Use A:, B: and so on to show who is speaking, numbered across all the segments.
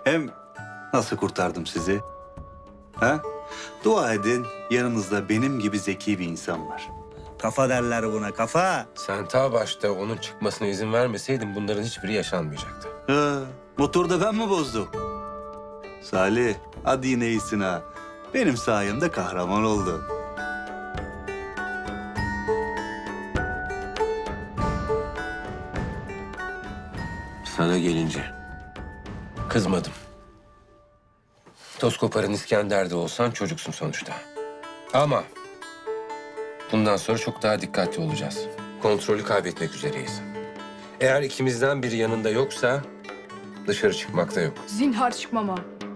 A: Hem nasıl kurtardım sizi? Ha? Dua edin, yanınızda benim gibi zeki bir insan var. Kafa derler buna, kafa.
B: Sen ta başta onun çıkmasına izin vermeseydin bunların hiçbiri yaşanmayacaktı.
A: Motoru da ben mi bozdum? Salih, hadi yine iyisin ha. Benim sayemde kahraman oldu.
B: Sana gelince kızmadım. Toz koparan İskender'de olsan çocuksun sonuçta. Ama bundan sonra çok daha dikkatli olacağız. Kontrolü kaybetmek üzereyiz. Eğer ikimizden biri yanında yoksa dışarı çıkmak da yok.
C: Zinhar çıkmama.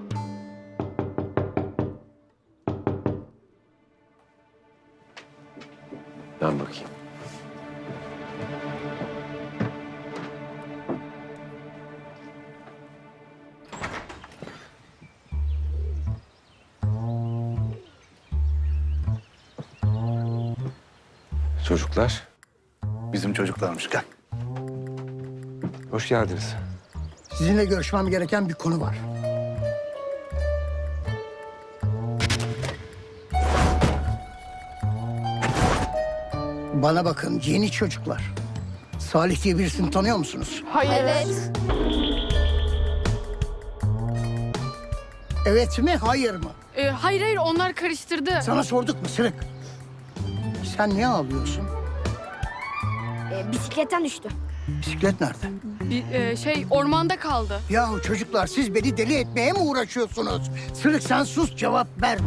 B: Ben bakayım. Çocuklar,
A: Bizim çocuklarmış, gel.
B: hoş geldiniz.
D: Sizinle görüşmem gereken bir konu var. Bana bakın yeni çocuklar. Salih diye birisini tanıyor musunuz?
C: Hayır.
E: Evet.
D: Evet mi, hayır mı?
C: Hayır onlar karıştırdı.
D: Sana sorduk mu Sırık? Sen niye ağlıyorsun?
E: Bisikletten düştü.
D: Bisiklet nerede?
C: Ormanda kaldı.
D: Yahu çocuklar siz beni deli etmeye mi uğraşıyorsunuz? Sırık sen sus, cevap verme.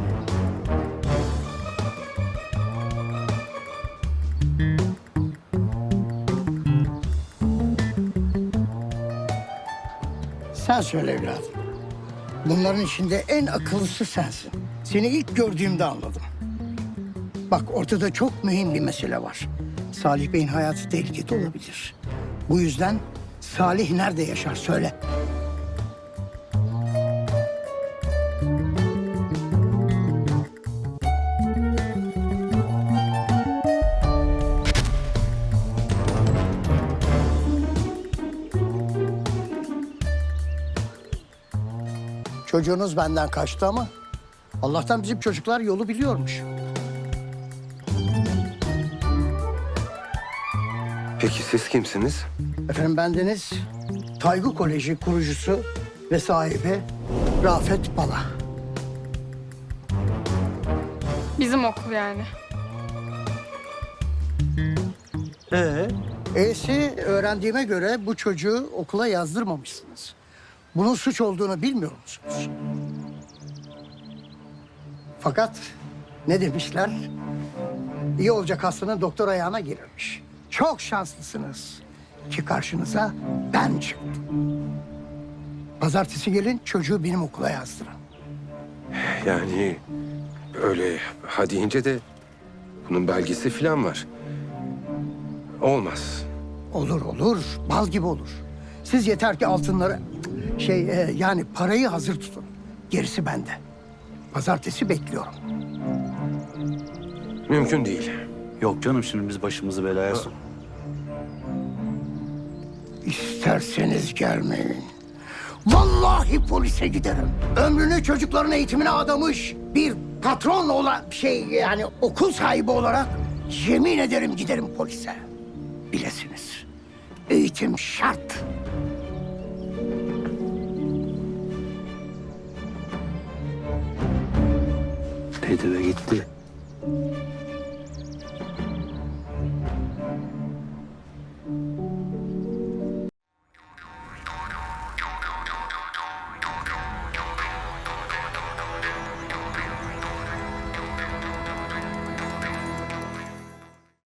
D: Sen söyle evladım. Bunların içinde en akıllısı sensin. Seni ilk gördüğümde anladım. Bak ortada çok mühim bir mesele var. Salih Bey'in hayatı tehlikede olabilir. Bu yüzden Salih nerede yaşar söyle. Çocuğunuz benden kaçtı ama Allah'tan bizim çocuklar yolu biliyormuş.
B: Peki siz kimsiniz?
D: Efendim bendeniz Taygu Koleji kurucusu ve sahibi Rafet Bala.
C: Bizim okul yani.
D: E'si öğrendiğime göre bu çocuğu okula yazdırmamışsınız. Bunun suç olduğunu bilmiyor musunuz? Fakat ne demişler? İyi olacak hastanın doktor ayağına girirmiş. Çok şanslısınız ki karşınıza ben çıktım. Pazartesi gelin çocuğu benim okula yazdırın.
B: Yani öyle ha deyince de bunun belgesi falan var. Olmaz.
D: Olur olur, bal gibi olur. Siz yeter ki altınları, yani parayı hazır tutun. Gerisi bende. Pazartesi bekliyorum.
B: Mümkün değil.
A: Yok canım, şimdi biz başımızı belaya sok.
D: İsterseniz gelmeyin. Vallahi polise giderim. Ömrünü çocukların eğitimine adamış bir patron olan yani okul sahibi olarak yemin ederim giderim polise. Bilesiniz. Eğitim şart.
A: Dedi ve gitti.